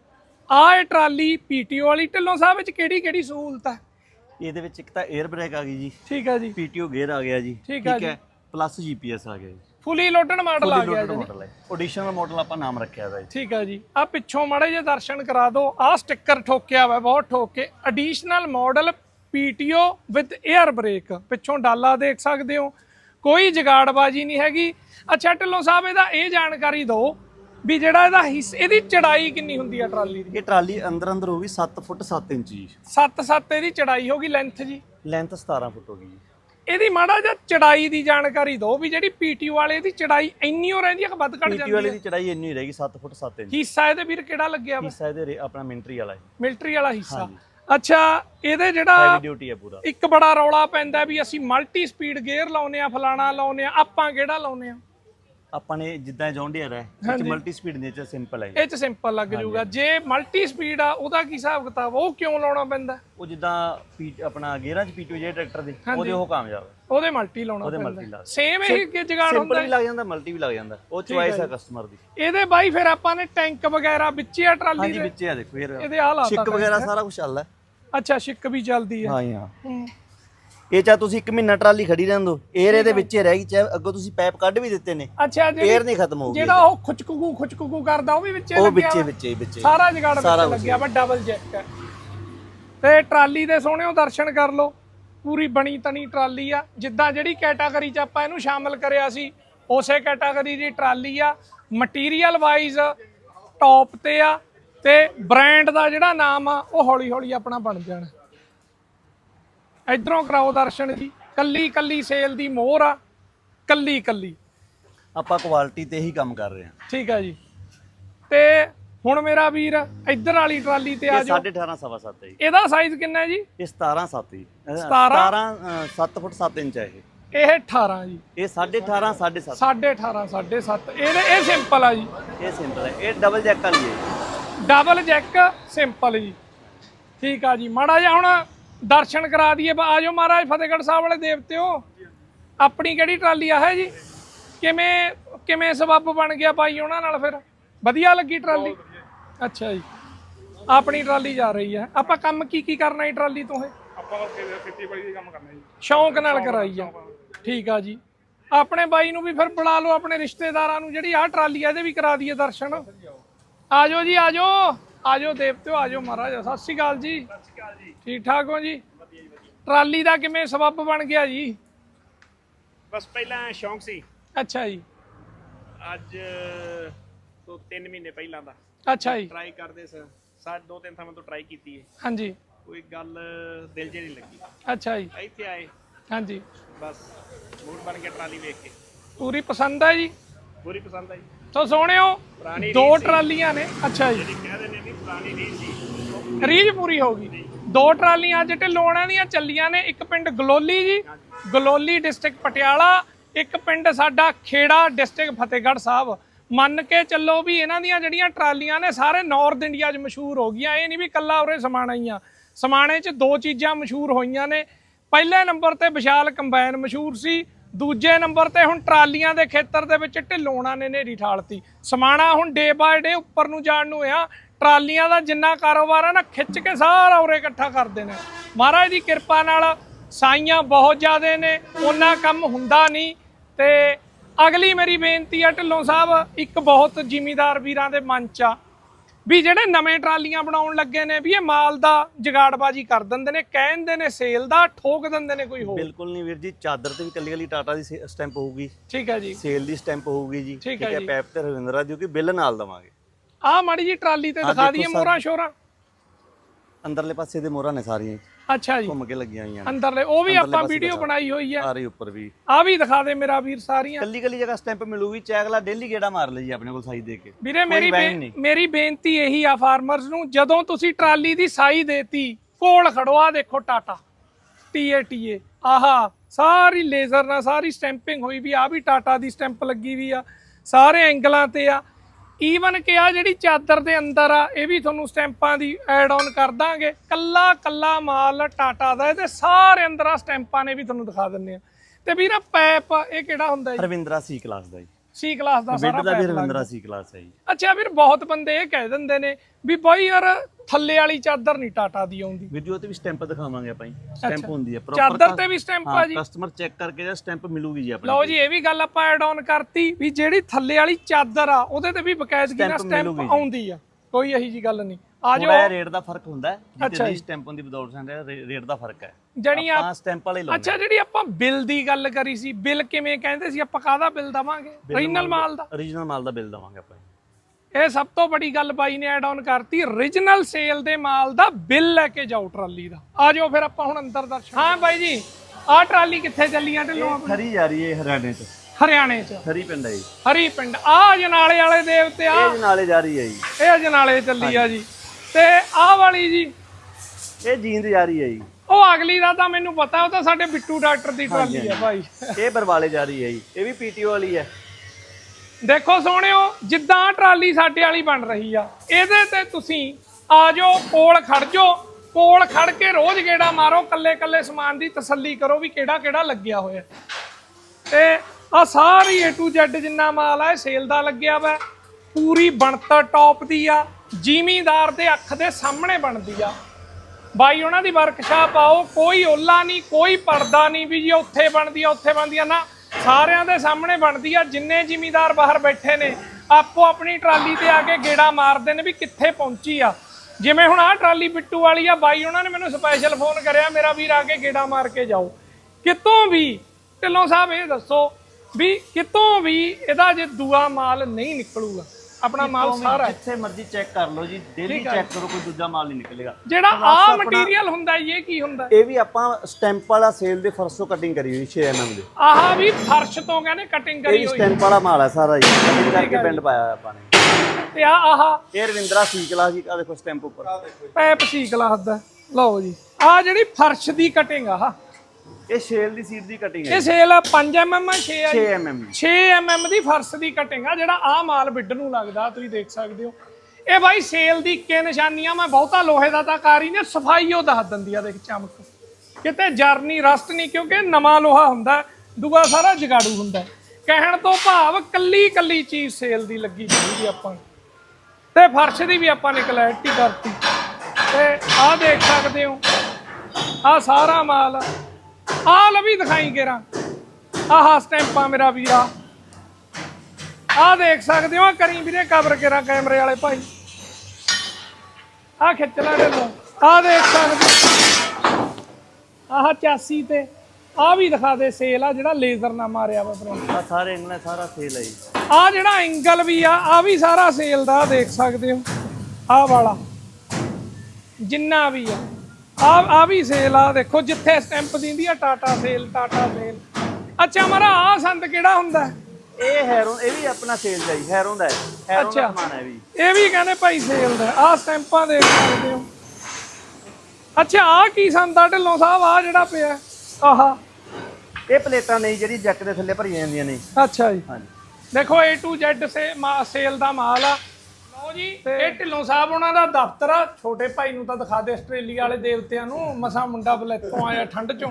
S1: ਆ ਇਹ ਟਰਾਲੀ ਪੀਟੀਓ ਵਾਲੀ ਢਿੱਲੋਂ ਸਾਹਿਬ ਵਿੱਚ ਕਿਹੜੀ ਕਿਹੜੀ ਸਹੂਲਤ ਹੈ?
S3: ਇਹਦੇ ਵਿੱਚ ਇੱਕ ਤਾਂ 에ਅਰ ਬ੍ਰੇਕ ਆ ਗਈ ਜੀ,
S1: ਠੀਕ ਹੈ ਜੀ,
S3: ਪੀਟੀਓ ਗੇਅਰ ਆ ਗਿਆ ਜੀ,
S1: ਠੀਕ ਹੈ,
S3: ਪਲੱਸ ਜੀਪੀਐਸ ਆ ਗਿਆ ਜੀ,
S1: ਫੁੱਲੀ ਲੋਡਡ ਮਾਡਲ ਆ ਗਿਆ ਜੀ,
S3: ਮਾਡਲ ਹੈ, ਐਡੀਸ਼ਨਲ ਮਾਡਲ ਆਪਾਂ ਨਾਮ ਰੱਖਿਆ ਹੋਇਆ ਜੀ।
S1: ਠੀਕ ਹੈ ਜੀ। ਆ ਪਿੱਛੋਂ ਮਾੜੇ ਜਿਹੇ ਦਰਸ਼ਨ ਕਰਾ ਦਿਓ, ਆ ਸਟicker ਠੋਕਿਆ ਵਾ ਬਹੁਤ ਠੋਕ ਕੇ, additional model PTO with air brake, ਪਿੱਛੋਂ ਡਾਲਾ ਦੇਖ ਸਕਦੇ ਹੋ, ਕੋਈ ਜਗਾੜਬਾਜੀ ਨਹੀਂ ਹੈਗੀ। ਅੱਛਾ ਢਿੱਲੋਂ ਸਾਹਿਬ ਇਹਦਾ ਇਹ ਜਾਣਕਾਰੀ ਦਿਓ ਵੀ ਜਿਹੜਾ ਇਹਦਾ ਹਿੱਸਾ, ਇਹਦੀ ਚੜਾਈ ਕਿੰਨੀ ਹੁੰਦੀ ਆ ਟਰਾਲੀ ਦੀ?
S3: ਇਹ ਟਰਾਲੀ ਅੰਦਰ ਅੰਦਰ ਹੋਊਗੀ ਸੱਤ ਫੁੱਟ ਸੱਤ ਇੰਚ ਜੀ,
S1: ਸੱਤ ਸੱਤ ਇਹਦੀ ਚੜਾਈ ਹੋਗੀ, ਲੈਂਥ ਜੀ
S3: ਲੈਂਥ ਸਤਾਰਾਂ ਫੁੱਟ ਹੋਗੀ ਜੀ।
S1: ਇਹਦੀ ਮਾੜਾ ਜਿਹਾ ਚੜਾਈ ਦੀ ਜਾਣਕਾਰੀ ਦਿਓ ਵੀ ਜਿਹੜੀ ਪੀਟੀਓ ਵਾਲੇ ਦੀ ਚੜਾਈ ਇੰਨੀ ਹੋ ਰਹਿੰਦੀ ਆ ਕਿ ਵੱਧ ਘੱਟ ਜਾਂਦੀ ਹੈ?
S3: ਪੀਟੀਓ ਵਾਲੇ ਦੀ ਚੜਾਈ ਇੰਨੀ ਰਹੇਗੀ ਸੱਤ ਫੁੱਟ ਸੱਤ ਇੰਚ।
S1: ਹਿੱਸਾ ਇਹਦੇ ਵੀਰ ਕਿਹੜਾ ਲੱਗਿਆ ਵਾ?
S3: ਹਿੱਸਾ ਇਹਦੇ ਆਪਣਾ ਮਿਲਟਰੀ ਵਾਲਾ ਹੈ,
S1: ਮਿਲਟਰੀ ਵਾਲਾ ਹਿੱਸਾ। ਅੱਛਾ ਇਹਦੇ ਜਿਹੜਾ
S3: ਹੈਵੀ ਡਿਊਟੀ ਹੈ ਪੂਰਾ।
S1: ਇੱਕ ਬੜਾ ਰੌਲਾ ਪੈਂਦਾ ਵੀ ਅਸੀਂ ਮਲਟੀ ਸਪੀਡ ਗੇਅਰ ਲਾਉਨੇ ਆ, ਫਲਾਣਾ ਲਾਉਨੇ ਆ, ਆਪਾਂ ਕਿਹੜਾ ਲਾਉਨੇ ਆ?
S3: ਆਪਾਂ ਨੇ ਜਿੱਦਾਂ ਜੌਨ ਡੀਅਰ ਹੈ ਇਹ ਚ ਮਲਟੀ ਸਪੀਡ ਨਹੀਂ, ਚ ਸਿੰਪਲ ਹੈ,
S1: ਇਹ ਚ ਸਿੰਪਲ ਲੱਗ ਜਾਊਗਾ। ਜੇ ਮਲਟੀ ਸਪੀਡ ਆ ਉਹਦਾ ਕੀ ਹਿਸਾਬ ਕਿਤਾਬ, ਉਹ ਕਿਉਂ ਲਾਉਣਾ ਪੈਂਦਾ?
S3: ਉਹ ਜਿੱਦਾਂ ਆਪਣਾ ਗੇਅਰਾਂ ਚ ਪੀਟੀਓ ਜਿਹੜੇ ਟਰੈਕਟਰ ਦੇ ਉਹਦੇ ਉਹ ਕਾਮਯਾਬ ਹੈ,
S1: ਉਹਦੇ ਮਲਟੀ ਲਾਉਣਾ ਪੈਂਦਾ। ਸੇਮ ਇਹੀ ਕਿ ਜਗਾੜ ਹੁੰਦਾ,
S3: ਸਿੰਪਲ ਵੀ ਲੱਗ ਜਾਂਦਾ, ਮਲਟੀ ਵੀ ਲੱਗ ਜਾਂਦਾ, ਉਹ ਚੁਆਇਸ ਹੈ ਕਸਟਮਰ ਦੀ।
S1: ਇਹਦੇ ਬਾਈ ਫਿਰ ਆਪਾਂ ਨੇ ਟੈਂਕ ਵਗੈਰਾ ਵਿੱਚੇ ਆ ਟਰਾਲੀ
S3: ਹਾਂਜੀ
S1: ਦੇ?
S3: ਵਿੱਚੇ ਆ ਦੇਖੋ, ਫਿਰ
S1: ਇਹਦੇ ਆ ਲਾਤਾ
S3: ਛਿੱਕ ਵਗੈਰਾ ਸਾਰਾ ਕੁਝ ਚੱਲਦਾ।
S1: ਅੱਛਾ ਛਿੱਕ ਵੀ ਚੱਲਦੀ ਹੈ?
S3: ਹਾਂ ਹਾਂ। ਇਹ ਚਾ ਤੁਸੀਂ ਇੱਕ ਮਹੀਨਾ ਟਰਾਲੀ ਖੜੀ ਰਹਿਣ ਦੋ, 에ਅਰ ਇਹਦੇ ਵਿੱਚ ਰਹਿ ਗਈ, ਚਾਹੇ ਅੱਗੋਂ ਤੁਸੀਂ ਪਾਈਪ ਕੱਢ ਵੀ ਦਿੱਤੇ ਨੇ,
S1: ਅੱਛਾ
S3: 에ਅਰ ਨਹੀਂ ਖਤਮ ਹੋਊਗੀ।
S1: ਜਿਹੜਾ ਉਹ ਖੁਚਕੂ ਖੁਚਕੂ ਕਰਦਾ ਉਹ ਵੀ ਵਿੱਚੇ
S3: ਉਹ
S1: ਲੱਗਿਆ?
S3: ਵਿੱਚੇ ਵਿੱਚੇ ਵਿੱਚੇ
S1: ਸਾਰਾ ਜਗਾੜ ਵਿੱਚ ਲੱਗਿਆ ਵਾ, ਡਬਲ ਜੈਕ ਹੈ। ਤੇ ਟਰਾਲੀ ਦੇ ਸੋਹਣਿਓ ਦਰਸ਼ਨ ਕਰ ਲਓ, ਪੂਰੀ ਬਣੀ ਤਣੀ ਟਰਾਲੀ ਆ, ਜਿੱਦਾਂ ਜਿਹੜੀ ਕੈਟਾਗਰੀ ਚ ਆਪਾਂ ਇਹਨੂੰ ਸ਼ਾਮਲ ਕਰਿਆ ਸੀ ਉਸੇ ਕੈਟਾਗਰੀ ਦੀ ਟਰਾਲੀ ਆ, ਮਟੀਰੀਅਲ ਵਾਈਜ਼ ਟੌਪ ਤੇ ਆ ਤੇ ਬ੍ਰਾਂਡ ਦਾ ਜਿਹੜਾ ਨਾਮ ਆ ਉਹ ਹੌਲੀ ਹੌਲੀ ਆਪਣਾ ਬਣ ਜਾਣਾ। ਇਧਰੋਂ ਕਰਾਓ ਦਰਸ਼ਨ ਜੀ, ਕੱਲੀ ਕੱਲੀ ਸੇਲ ਦੀ ਮੋਹਰ ਆ, ਕੱਲੀ ਕੱਲੀ।
S3: ਆਪਾਂ ਕੁਆਲਿਟੀ ਤੇ ਹੀ ਕੰਮ ਕਰ ਰਹੇ ਹਾਂ।
S1: ਠੀਕ ਆ ਜੀ। ਤੇ ਹੁਣ ਮੇਰਾ ਵੀਰ ਇੱਧਰ ਵਾਲੀ ਟਰਾਲੀ ਤੇ ਆ
S3: ਇਹ
S1: ਜਾਓ।
S3: ਸਾਢੇ ਅਠਾਰਾਂ ਸਵਾ ਸੱਤ ਹੈ ਜੀ।
S1: ਇਹਦਾ ਸਾਈਜ਼ ਕਿੰਨਾ ਹੈ ਜੀ?
S3: ਇਹ ਸਤਾਰਾਂ ਸੱਤ ਜੀ।
S1: ਸਤਾਰਾਂ?
S3: ਸਤਾਰਾਂ ਸੱਤ ਫੁੱਟ ਸੱਤ ਇੰਚ ਹੈ ਇਹ।
S1: ਇਹ ਅਠਾਰਾਂ ਜੀ।
S3: ਇਹ ਸਾਢੇ ਅਠਾਰਾਂ ਸਾਢੇ ਸੱਤ।
S1: ਸਾਢੇ ਅਠਾਰਾਂ ਸਾਢੇ ਸੱਤ। ਇਹਦੇ ਇਹ ਸਿੰਪਲ ਆ ਜੀ।
S3: ਇਹ ਸਿੰਪਲ ਹੈ, ਇਹ ਡਬਲ ਜੈਕ ਵਾਲੀ ਹੈ।
S1: ਡਬਲ ਜੈਕ ਸਿੰਪਲ ਜੀ। ਠੀਕ ਆ ਜੀ। ਮਾੜਾ ਜਿਹਾ ਹੁਣ ਦਰਸ਼ਨ ਕਰਾ ਦਈਏ। ਆ ਜਾਓ ਮਹਾਰਾਜ ਫਤਿਹਗੜ੍ਹ ਸਾਹਿਬ ਵਾਲੇ ਦੇਵਤਿਓ। ਆਪਣੀ ਕਿਹੜੀ ਟਰਾਲੀ ਆ ਹੈ ਜੀ? ਕਿਵੇਂ ਕਿਵੇਂ ਸਬੱਬ ਬਣ ਗਿਆ ਭਾਈ ਉਹਨਾਂ ਨਾਲ? ਫਿਰ ਵਧੀਆ ਲੱਗੀ ਟਰਾਲੀ? ਅੱਛਾ ਜੀ। ਆਪਣੀ ਟਰਾਲੀ ਜਾ ਰਹੀ ਹੈ। ਆਪਾਂ ਕੰਮ ਕੀ ਕੀ ਕਰਨਾ ਹੈ ਟਰਾਲੀ ਤੋਂ? ਇਹ
S2: ਆਪਾਂ ਖੇਤੀਬਾੜੀ ਦਾ ਕੰਮ ਕਰਨਾ ਜੀ,
S1: ਸ਼ੌਂਕ ਨਾਲ ਕਰਾਈ ਆ। ਠੀਕ ਆ ਜੀ। ਆਪਣੇ ਬਾਈ ਨੂੰ ਵੀ ਫਿਰ ਬੁਲਾ ਲਓ, ਆਪਣੇ ਰਿਸ਼ਤੇਦਾਰਾਂ ਨੂੰ। ਜਿਹੜੀ ਆਹ ਟਰਾਲੀ ਆ ਇਹਦੇ ਵੀ ਕਰਾ ਦਈਏ ਦਰਸ਼ਨ। ਆ ਜਾਓ ਜੀ, ਆ ਜਾਓ ਆ ਜਾਓ ਦੇਵਤਿਓ, ਆ ਜਾਓ ਮਹਾਰਾਜ। ਸਤਿ ਸ਼੍ਰੀ ਅਕਾਲ ਜੀ।
S2: ਸਤਿ ਸ਼੍ਰੀ ਅਕਾਲ ਜੀ।
S1: ਠੀਕ ਠਾਕ ਹੋ ਜੀ? ਟਰਾਲੀ ਦਾ ਕਿਵੇਂ ਸਬੱਬ ਬਣ ਗਿਆ ਜੀ?
S2: ਬਸ ਪਹਿਲਾਂ ਸ਼ੌਂਕ ਸੀ,
S1: ਅੱਛਾ ਜੀ।
S2: ਅੱਜ ਤੋਂ ਤਿੰਨ ਮਹੀਨੇ ਪਹਿਲਾਂ ਦਾ
S1: ਅੱਛਾ ਜੀ।
S2: ਟਰਾਈ ਕਰਦੇ ਸਰ, ਸਾਡੇ ਦੋ ਤਿੰਨ ਥਾਵਾਂ ਤੋਂ ਟਰਾਈ ਕੀਤੀ ਹੈ,
S1: ਹਾਂਜੀ।
S2: ਕੋਈ ਗੱਲ ਦਿਲ 'ਚ ਨਹੀਂ ਲੱਗੀ।
S1: ਅੱਛਾ ਜੀ।
S2: ਇੱਥੇ ਆਏ,
S1: ਹਾਂਜੀ।
S2: ਬਸ ਮੂਡ ਬਣ ਗਿਆ ਟਰਾਲੀ ਵੇਖ ਕੇ।
S1: ਪੂਰੀ ਪਸੰਦ ਹੈ ਜੀ?
S2: ਪੂਰੀ ਪਸੰਦ ਆਈ।
S1: ਤੋ ਸੋਹਣਿਓ,
S2: ਪੁਰਾਣੀ
S1: ਦੋ
S2: ਰੀਸ ਸੀ।
S1: ਟਰਾਲੀਆਂ ਨੇ। ਅੱਛਾ ਜੀ।
S2: ਜਿਹੜੀ ਕਹਿ ਦਿੰਦੇ ਨਹੀਂ ਪੁਰਾਣੀ ਰੀਸ ਸੀ,
S1: ਰੀਝ ਪੂਰੀ ਹੋ ਗਈ। ਦੋ ਟਰਾਲੀਆਂ ਅੱਜ ਢਿੱਲੋਂ ਦੀਆਂ ਚੱਲੀਆਂ ਨੇ। ਇੱਕ ਪਿੰਡ ਗਲੋਲੀ ਜੀ, ਗਲੋਲੀ ਡਿਸਟ੍ਰਿਕਟ ਪਟਿਆਲਾ। ਇੱਕ ਪਿੰਡ ਸਾਡਾ ਖੇੜਾ ਡਿਸਟ੍ਰਿਕਟ ਫਤਿਹਗੜ੍ਹ ਸਾਹਿਬ। ਮੰਨ ਕੇ ਚੱਲੋ ਵੀ ਇਹਨਾਂ ਦੀਆਂ ਜਿਹੜੀਆਂ ਟਰਾਲੀਆਂ ਨੇ ਸਾਰੇ ਨਾਰਥ ਇੰਡੀਆ 'ਚ ਮਸ਼ਹੂਰ ਹੋ ਗਈਆਂ। ਇਹ ਨਹੀਂ ਵੀ ਕੱਲਾ ਉਰੇ ਸਮਾਣਾ ਹੀ ਆ। ਸਮਾਣੇ 'ਚ ਦੋ ਚੀਜ਼ਾਂ ਮਸ਼ਹੂਰ ਹੋਈਆਂ ਨੇ। ਪਹਿਲੇ ਨੰਬਰ ਤੇ ਵਿਸ਼ਾਲ ਕੰਬਾਈਨ ਮਸ਼ਹੂਰ ਸੀ। ਦੂਜੇ ਨੰਬਰ ਤੇ ਹੁਣ ਟਰਾਲੀਆਂ ਦੇ ਖੇਤਰ ਦੇ ਵਿੱਚ ਢਿੱਲੋਂ ਨੇ ਨੇਰੀ ਠਾਲਤੀ। ਸਮਾਣਾ ਹੁਣ ਡੇ ਬਾਏ ਡੇ ਉੱਪਰ ਨੂੰ ਜਾਣ ਨੂੰ ਆ। ਟਰਾਲੀਆਂ ਦਾ ਜਿੰਨਾ ਕਾਰੋਬਾਰ ਆ ਨਾ, ਖਿੱਚ ਕੇ ਸਾਰਾ ਉਰੇ ਇਕੱਠਾ ਕਰਦੇ ਨੇ। ਮਹਾਰਾਜ ਦੀ ਕਿਰਪਾ ਨਾਲ ਸਾਈਆਂ ਬਹੁਤ ਜ਼ਿਆਦੇ ਨੇ, ਉਹਨਾਂ ਕੰਮ ਹੁੰਦਾ ਨਹੀਂ। ਤੇ ਅਗਲੀ ਮੇਰੀ ਬੇਨਤੀ ਆ ਢਿੱਲੋਂ ਸਾਹਿਬ, ਇੱਕ ਬਹੁਤ ਜ਼ਿਮੀਦਾਰ ਵੀਰਾਂ ਦੇ ਮਨ 'ਚ ਆ ਵੀ ਜਿਹੜੇ ਨਵੇਂ ਟਰਾਲੀਆਂ ਬਣਾਉਣ ਲੱਗੇ ਨੇ ਵੀ ਇਹ ਮਾਲ ਦਾ ਜਗਾੜਬਾਜੀ ਕਰ ਦਿੰਦੇ ਨੇ, ਕਹਿੰਦੇ ਨੇ ਸੇਲ ਦਾ, ਠੋਕ ਦਿੰਦੇ ਨੇ ਕੋਈ ਹੋਰ।
S3: ਬਿਲਕੁਲ ਨਹੀਂ ਵੀਰ ਜੀ, ਚਾਦਰ ਤੇ ਵੀ ਕੱਲੀ ਕੱਲੀ ਟਾਟਾ ਦੀ ਸਟੈਂਪ ਹੋਊਗੀ।
S1: ਠੀਕ ਹੈ ਜੀ।
S3: ਸੇਲ ਦੀ ਸਟੈਂਪ ਹੋਊਗੀ ਜੀ।
S1: ਠੀਕ ਹੈ ਜੀ।
S3: ਪੈਪ ਤੇ ਰਵਿੰਦਰਾ ਦੀ ਕਿ ਬਿੱਲ ਨਾਲ ਦਵਾਂਗੇ।
S1: ਆਹ ਮਾੜੀ ਜੀ ਟਰਾਲੀ ਤੇ ਦਿਖਾ ਦਈਏ ਮੋਹਰਾਂ ਸ਼ੋਰਾਂ।
S3: ਅੰਦਰਲੇ ਪਾਸੇ ਦੇ ਮੋਹਰਾਂ ਨੇ ਸਾਰੀਆਂ
S1: ਅੱਛਾ ਜੀ।
S3: ਘੁੰਮ ਕੇ ਲੱਗੀਆਂ ਹੋਈਆਂ।
S1: ਅੰਦਰਲੇ ਉਹ ਵੀ ਆਪਾਂ ਵੀਡੀਓ ਬਣਾਈ ਹੋਈ ਆ।
S3: ਆ ਰਹੀ ਉੱਪਰ ਵੀ।
S1: ਆ ਵੀ ਦਿਖਾ ਦੇ ਮੇਰਾ ਵੀਰ ਸਾਰੀਆਂ।
S3: ਕੱਲੀ ਕੱਲੀ ਜਗ੍ਹਾ ਸਟੈਂਪ ਮਿਲੂਗੀ। ਚੈਗਲਾ ਡੇਲੀ ਗੇੜਾ ਮਾਰ ਲਈ ਜੀ ਆਪਣੇ ਕੋਲ ਸਾਈ ਦੇ ਕੇ।
S1: ਵੀਰੇ ਮੇਰੀ ਮੇਰੀ ਬੇਨਤੀ ਇਹੀ ਆ ਫਾਰਮਰਸ ਨੂੰ, ਜਦੋਂ ਤੁਸੀਂ ਟਰਾਲੀ ਦੀ ਸਾਈ ਦੇਤੀ, ਕੋਲ ਖੜੋ। ਆ ਦੇਖੋ ਟਾਟਾ ਟੀਏ ਟੀਏ, ਆਹਾ ਸਾਰੀ ਲੇਜ਼ਰ ਨਾਲ ਸਾਰੀ ਸਟੈਂਪਿੰਗ ਹੋਈ ਵੀ। ਆ ਵੀ ਟਾਟਾ ਦੀ ਸਟੈਂਪ ਲੱਗੀ ਵੀ ਆ ਸਾਰੇ ਐਂਗਲਾਂ ਤੇ ਆ। ਈਵਨ ਕਿ ਆ ਜਿਹੜੀ ਚਾਦਰ ਦੇ ਅੰਦਰ ਆ, ਇਹ ਵੀ ਤੁਹਾਨੂੰ ਸਟੈਂਪਾਂ ਦੀ ਐਡ ਆਨ ਕਰ ਦਾਂਗੇ। ਕੱਲਾ ਕੱਲਾ ਮਾਲ ਟਾਟਾ ਦਾ, ਇਹਦੇ ਸਾਰੇ ਅੰਦਰ ਆ ਸਟੈਂਪਾਂ ਨੇ ਵੀ ਤੁਹਾਨੂੰ ਦਿਖਾ ਦਿੰਨੇ ਆ। ਤੇ ਵੀਰਾ ਪੈਪ ਇਹ ਕਿਹੜਾ ਹੁੰਦਾ ਜੀ?
S3: ਰਵਿੰਦਰਾ ਸੀ ਕਲਾਸ ਦਾ ਜੀ।
S1: ਸੀ ਕਲਾਸ ਦਾ ਸਾਰਾ
S3: ਬਿੱਡ ਦਾ ਵੀ ਰਵਿੰਦਰਾ ਸੀ ਕਲਾਸ ਹੈ ਜੀ।
S1: ਅੱਛਾ ਵੀਰ, ਬਹੁਤ ਬੰਦੇ ਇਹ ਕਹਿ ਦਿੰਦੇ ਨੇ ਵੀ ਬਾਈ ਯਾਰ ਥੱਲੇ ਵਾਲੀ ਚਾਦਰ ਨਹੀਂ ਟਾਟਾ ਦੀ ਆਉਂਦੀ।
S3: ਵੀਡੀਓ ਤੇ ਵੀ ਸਟੈਂਪ ਦਿਖਾਵਾਂਗੇ ਆਪਾਂ ਜੀ। ਸਟੈਂਪ ਹੁੰਦੀ ਹੈ
S1: ਚਾਦਰ ਤੇ ਵੀ ਸਟੈਂਪ ਆ ਜੀ।
S3: ਕਸਟਮਰ ਚੈੱਕ ਕਰਕੇ ਜਾਂ ਸਟੈਂਪ ਮਿਲੂਗੀ ਜੀ ਆਪਣੇ।
S1: ਲਓ ਜੀ, ਇਹ ਵੀ ਗੱਲ ਆਪਾਂ ਐਡ ਆਨ ਕਰਤੀ ਵੀ ਜਿਹੜੀ ਥੱਲੇ ਵਾਲੀ ਚਾਦਰ ਆ ਉਹਦੇ ਤੇ ਵੀ ਬਕਾਇਦਗੀ ਨਾਲ ਸਟੈਂਪ ਆਉਂਦੀ ਆ। ਕੋਈ ਇਹੀ ਜੀ ਗੱਲ ਨਹੀਂ। ਆ ਜਾਓ।
S3: ਥੋੜਾ ਰੇਟ ਦਾ ਫਰਕ ਹੁੰਦਾ ਹੈ, ਜਿੱਤੇ ਦੀ ਸਟੈਂਪ ਹੁੰਦੀ ਵਿਦਆਊਟ ਸਟੈਂਪ ਰੇਟ ਦਾ ਫਰਕ ਹੈ।
S1: ਜਣੀ
S3: ਆਪਾਂ ਸਟੈਂਪ ਵਾਲੇ ਲਾਉਂਦੇ।
S1: ਅੱਛਾ, ਜਿਹੜੀ ਆਪਾਂ ਬਿੱਲ ਦੀ ਗੱਲ ਕਰੀ ਸੀ, ਬਿੱਲ ਕਿਵੇਂ ਕਹਿੰਦੇ ਸੀ ਆਪਾਂ? ਕਾਹਦਾ ਬਿੱਲ ਦਵਾਂਗੇ? ਓਰੀਜਨਲ ਮਾਲ ਦਾ।
S3: ਓਰੀਜਨਲ ਮਾਲ ਦਾ ਬਿੱਲ ਦਵਾਂਗੇ ਆਪਾਂ।
S1: ਇਹ ਸਭ ਤੋਂ ਵੱਡੀ ਗੱਲ ਬਾਈ ਨੇ ਐਡ ਆਨ ਕਰਤੀ, ਓਰੀਜਨਲ ਸੇਲ ਦੇ ਮਾਲ ਦਾ ਬਿੱਲ ਲੈ ਕੇ ਜਾਓ ਟਰਾਲੀ ਦਾ। ਆ ਜਾਓ ਫਿਰ ਆਪਾਂ ਹੁਣ ਅੰਦਰ ਦਰਸ਼ਨ। ਹਾਂ ਬਾਈ ਜੀ, ਆਹ ਟਰਾਲੀ ਕਿੱਥੇ ਚੱਲੀ ਆ ਢਿੱਲੋਂ?
S3: ਖਰੀ ਜਾ ਰਹੀ ਹੈ ਹਰਿਆਣੇ ਚ।
S1: ਹਰਿਆਣੇ ਚ
S3: ਹਰੀ ਪਿੰਡ ਹੈ ਜੀ।
S1: ਹਰੀ ਪਿੰਡ। ਆ ਜਨਾਲੇ ਵਾਲੇ ਦੇਵਤੇ ਆ,
S3: ਇਹ ਜਨਾਲੇ ਜਾ ਰਹੀ ਹੈ ਜੀ।
S1: ਇਹ ਜਨਾਲੇ ਚੱਲੀ ਆ ਜੀ। ਤੇ ਆਹ ਵਾਲੀ ਜੀ,
S3: ਇਹ ਜੀਂਦ ਜਾ ਰਹੀ ਹੈ ਜੀ।
S1: ਉਹ ਅਗਲੀ ਦਾ ਤਾਂ ਮੈਨੂੰ ਪਤਾ, ਉਹ ਤਾਂ ਸਾਡੇ ਬਿੱਟੂ ਡਾਕਟਰ ਦੀ ਟਰਾਲੀ ਆ ਭਾਈ।
S3: ਇਹ ਬਰਵਾਲੇ ਜਾ ਰਹੀ ਹੈ ਜੀ। ਇਹ ਵੀ ਪੀਟੀਓ ਵਾਲੀ ਹੈ।
S1: ਦੇਖੋ ਸੋਹਣਿਓ, ਜਿੱਦਾਂ ਟਰਾਲੀ ਸਾਡੇ ਵਾਲੀ ਬਣ ਰਹੀ ਆ, ਇਹਦੇ ਤੇ ਤੁਸੀਂ ਆ ਜਾਓ, ਕੋਲ ਖੜ ਜਾਓ। ਕੋਲ ਖੜ ਕੇ ਰੋਜ਼ ਗੇੜਾ ਮਾਰੋ, ਕੱਲੇ ਕੱਲੇ ਸਮਾਨ ਦੀ ਤਸੱਲੀ ਕਰੋ ਵੀ ਕਿਹੜਾ ਕਿਹੜਾ ਲੱਗਿਆ ਹੋਇਆ। ਤੇ ਆ ਸਾਰੀ ਏ ਟੂ ਜ਼ੈਡ ਜਿੰਨਾ ਮਾਲ ਆ, ਇਹ ਸੇਲ ਦਾ ਲੱਗਿਆ ਵਾ। ਪੂਰੀ ਬਣਤਰ ਟੌਪ ਦੀ ਆ, ਜ਼ਿਮੀਦਾਰ ਦੇ ਅੱਖ ਦੇ ਸਾਹਮਣੇ ਬਣਦੀ ਆ। ਬਾਈ ਉਹਨਾਂ ਦੀ ਵਰਕਸ਼ਾਪ ਆਓ, ਕੋਈ ਓਲਾ ਨਹੀਂ, ਕੋਈ ਪਰਦਾ ਨਹੀਂ ਵੀ ਜੀ ਉੱਥੇ ਬਣਦੀ ਆ ਉੱਥੇ ਬਣਦੀ ਆ, ਨਾ ਸਾਰਿਆਂ ਦੇ ਸਾਹਮਣੇ ਬਣਦੀ ਆ। ਜਿੰਨੇ ਜ਼ਿਮੀਦਾਰ ਬਾਹਰ ਬੈਠੇ ਨੇ ਆਪੋ ਆਪਣੀ ਟਰਾਲੀ ਤੇ ਆ ਕੇ ਗੇੜਾ ਮਾਰਦੇ ਨੇ ਵੀ ਕਿੱਥੇ ਪਹੁੰਚੀ ਆ। ਜਿਵੇਂ ਹੁਣ ਆਹ ਟਰਾਲੀ ਬਿੱਟੂ ਵਾਲੀ ਆ, ਬਾਈ ਉਹਨਾਂ ਨੇ ਮੈਨੂੰ ਸਪੈਸ਼ਲ ਫੋਨ ਕਰਿਆ, ਮੇਰਾ ਵੀਰ ਆ ਕੇ ਗੇੜਾ ਮਾਰ ਕੇ ਜਾਓ। ਕਿਤੋਂ ਵੀ ਢਿੱਲੋਂ ਸਾਹਿਬ ਇਹ ਦੱਸੋ, ਵੀ ਕਿਤੋਂ ਵੀ ਇਹਦਾ ਜੇ ਦੂਆ ਮਾਲ ਨਹੀਂ ਨਿਕਲੂਗਾ, ਆਪਣਾ ਮਾਲ ਸਾਰਾ ਹੈ।
S3: ਜਿੱਥੇ ਮਰਜ਼ੀ ਚੈੱਕ ਕਰ ਲਓ ਜੀ, ਡੇਲੀ ਚੈੱਕ ਕਰੋ, ਕੋਈ ਦੂਜਾ ਮਾਲ ਨਹੀਂ ਨਿਕਲੇਗਾ।
S1: ਜਿਹੜਾ ਆ ਮਟੀਰੀਅਲ ਹੁੰਦਾ ਇਹ ਕੀ ਹੁੰਦਾ?
S3: ਇਹ ਵੀ ਆਪਾਂ ਸਟੈਂਪ ਵਾਲਾ ਸੇਲ ਦੇ ਫਰਸ਼ੋਂ ਕਟਿੰਗ ਕਰੀ ਹੋਈ ਛੇ ਐਮ ਐਮ ਦੇ।
S1: ਆਹ ਵੀ ਫਰਸ਼ ਤੋਂ ਕਹਿੰਦੇ ਕਟਿੰਗ
S3: ਇਹ
S1: ਕਰੀ
S3: ਵੀ
S1: ਹੋਈ
S3: ਸਟੈਂਪ ਵਾਲਾ ਮਾਲ ਹੈ ਸਾਰਾ ਜੀ, ਕਟਿੰਗ ਕਰਕੇ ਪਿੰਡ ਪਾਇਆ ਹੋਇਆ ਆਪਾਂ ਨੇ।
S1: ਤੇ ਆ ਆਹ
S3: ਇਹ ਰਵਿੰਦਰਾ ਸੀ ਕਲਾਸ ਜੀ, ਆ ਦੇਖੋ ਸਟੈਂਪ ਉੱਪਰ
S1: ਪੈਪ ਸੀ ਕਲਾਸ ਦਾ। ਲਓ ਜੀ ਆ ਜਿਹੜੀ ਫਰਸ਼ ਦੀ ਕਟਿੰਗ ਆ,
S3: ਇਹ ਸ਼ੇਲ ਦੀ ਸੀਟ ਦੀ ਕਟਿੰਗ ਹੈ।
S1: ਇਹ ਸੇਲ ਆ ਪੰਜ ਐਮ ਐਮ ਛੇ ਆ
S3: ਛੇ ਐਮ ਐਮ
S1: ਛੇ ਐਮ ਐਮ ਦੀ ਫਰਸ਼ ਦੀ ਕਟਿੰਗ ਆ। ਜਿਹੜਾ ਆ ਮਾਲ ਬਿੱਡ ਨੂੰ ਲੱਗਦਾ ਤੁਸੀਂ ਦੇਖ ਸਕਦੇ ਹੋ। ਇਹ ਬਾਈ ਸੇਲ ਦੀ ਕਿ ਨਿਸ਼ਾਨੀਆਂ, ਮੈਂ ਬਹੁਤਾ ਲੋਹੇ ਦਾ ਤਾਂ ਕਾਰ ਹੀ ਨੇ, ਸਫਾਈ ਉਹ ਦੱਸ ਦਿੰਦੀ ਆ। ਦੇਖ ਚਮਕ, ਕਿਤੇ ਜਰਨੀ ਰਸਟ ਨਹੀਂ, ਕਿਉਂਕਿ ਨਵਾਂ ਲੋਹਾ ਹੁੰਦਾ, ਦੂਆ ਸਾਰਾ ਜਗਾੜੂ ਹੁੰਦਾ। ਕਹਿਣ ਤੋਂ ਭਾਵ ਕੱਲੀ ਕੱਲੀ ਚੀਜ਼ ਸੇਲ ਦੀ ਲੱਗੀ ਚਾਹੀਦੀ ਆਪਾਂ, ਤੇ ਫਰਸ਼ ਦੀ ਵੀ ਆਪਾਂ ਨੇ ਕਲੈਰਿਟੀ ਕਰਤੀ। ਤੇ ਆਹ ਦੇਖ ਸਕਦੇ ਹੋ ਆਹ ਸਾਰਾ ਮਾਲ ਆਹ ਲਵੀ ਦਿਖਾਈ ਕੇਰਾ, ਆਹ ਸਟੈਂਪਾਂ ਮੇਰਾ ਵੀਰਾ, ਆਹ ਦੇਖ ਸਕਦੇ ਹੋ। ਕਰੀ ਵੀਰੇ ਕਵਰ ਕੇਰਾ ਕੈਮਰੇ ਵਾਲੇ ਭਾਈ, ਆਹ ਖਿੱਚ ਲੈ ਲੋ, ਆਹ ਦੇਖ ਸਕਦੇ ਆਹ ਚਾਸੀ ਤੇ ਆਹ ਵੀ ਦਿਖਾ ਦੇ ਸੇਲ ਆ, ਜਿਹੜਾ ਲੇਜ਼ਰ ਨਾਲ ਮਾਰਿਆ ਵਾ ਫਰੰਟ।
S3: ਆ ਸਾਰੇ ਇਹਨਾਂ ਸਾਰਾ ਸੇਲ ਹੈ ਜੀ।
S1: ਆਹ ਜਿਹੜਾ ਐਂਗਲ ਵੀ ਆ, ਆਹ ਵੀ ਸਾਰਾ ਸੇਲ ਦਾ ਦੇਖ ਸਕਦੇ ਹੋ। ਆਹ ਵਾਲਾ ਜਿੰਨਾ ਵੀ ਆ, ਆਹ ਆਹ ਵੀ ਸੇਲ ਆ। ਦੇਖੋ ਜਿੱਥੇ ਸਟੈਂਪ ਦਿੰਦੀ ਆ ਟਾਟਾ ਸੇਲ, ਟਾਟਾ ਸੇਲ। ਅੱਛਾ ਮਰਾ ਆਹ ਸੰਦ ਕਿਹੜਾ ਹੁੰਦਾ?
S3: ਇਹ ਹੈਰੋਂ, ਇਹ ਵੀ ਆਪਣਾ ਸੇਲ ਦਾ ਜੀ, ਹੈਰੋਂ ਦਾ ਹੈ, ਹੈਰੋਂ ਦਾ ਸਮਾਨ ਹੈ ਵੀ।
S1: ਇਹ ਵੀ ਕਹਿੰਦੇ ਭਾਈ ਸੇਲ ਦਾ। ਆਹ ਸਟੈਂਪਾਂ ਦੇਖ ਸਕਦੇ ਹੋ। ਅੱਛਾ ਆਹ ਕੀ ਸੰਦ ਆ ਢਿੱਲੋਂ ਸਾਹਿਬ? ਆ ਜਿਹੜਾ ਪਿਆ ਆਹ,
S3: ਇਹ ਪਲੇਟਾਂ ਨਹੀਂ ਜਿਹੜੀ ਜੈਕ ਦੇ ਥੱਲੇ ਭਰੀਆਂ ਜਾਂਦੀਆਂ ਨੇ।
S1: ਅੱਛਾ ਜੀ,
S3: ਹਾਂਜੀ
S1: ਦੇਖੋ A to Z ਸੇ ਸੇਲ ਦਾ ਮਾਲ ਆ। ਲਓ ਜੀ ਇਹ ਢਿੱਲੋਂ ਸਾਹਿਬ ਉਹਨਾਂ ਦਾ ਦਫ਼ਤਰ ਆ। ਛੋਟੇ ਭਾਈ ਨੂੰ ਤਾਂ ਦਿਖਾ ਦੇ, ਆਸਟ੍ਰੇਲੀਆ ਵਾਲੇ ਦੇਵਤਿਆਂ ਨੂੰ, ਮਸਾ ਮੁੰਡਾ ਬਲੈਤੋਂ ਆਇਆ ਠੰਡ ਚੋਂ।